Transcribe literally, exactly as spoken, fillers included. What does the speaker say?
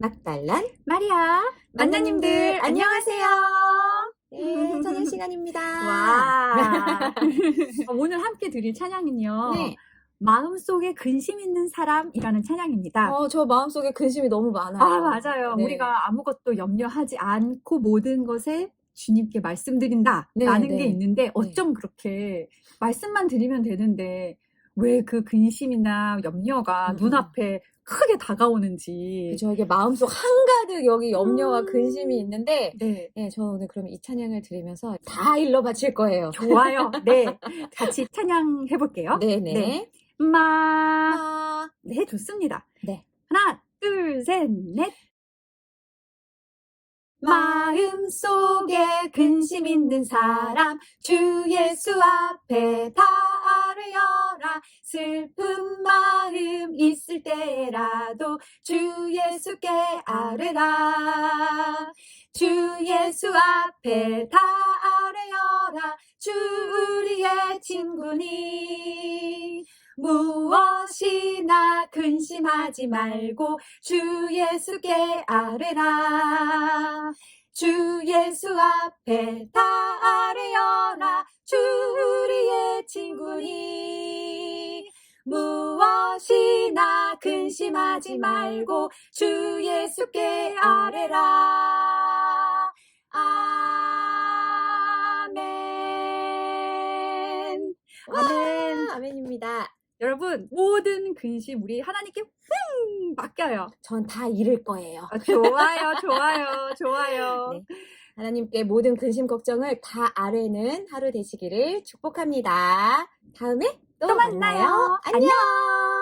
막달란 마리아, 만나님들 안녕하세요. 네, 찬양 시간입니다. 와. 오늘 함께 드릴 찬양은요. 네. 마음속에 근심 있는 사람이라는 찬양입니다. 어, 저 마음속에 근심이 너무 많아요. 아, 맞아요. 네. 우리가 아무것도 염려하지 않고 모든 것에 주님께 말씀드린다 라는 네, 게 네. 있는데 어쩜 그렇게 말씀만 드리면 되는데 왜 그 근심이나 염려가 음, 음. 눈앞에 크게 다가오는지. 그죠. 이게 마음속 한가득 여기 염려와 음. 근심이 있는데, 네. 네, 저 오늘 그럼 이 찬양을 들으면서 다 일러 바칠 거예요. 좋아요. 네. 같이 찬양해 볼게요. 네네. 네. 마. 마. 네, 좋습니다. 네. 하나, 둘, 셋, 넷. 마음속에 근심 있는 사람 주 예수 앞에 다 아뢰어라. 슬픈 마음 있을 때라도 주 예수께 아뢰라. 주 예수 앞에 다 아뢰어라. 주 우리의 친구니 무엇이나 근심하지 말고 주 예수께 아뢰라. 주 예수 앞에 다 아뢰어라. 주 우리의 친구니 무엇이나 근심하지 말고 주 예수께 아뢰라. 아멘. 아멘. 아멘입니다. 여러분, 모든 근심 우리 하나님께 흠 맡겨요. 전 다 잃을 거예요. 아, 좋아요, 좋아요, 좋아요. 네. 하나님께 모든 근심 걱정을 다 아뢰는 하루 되시기를 축복합니다. 다음에 또, 또 만나요. 만나요. 안녕.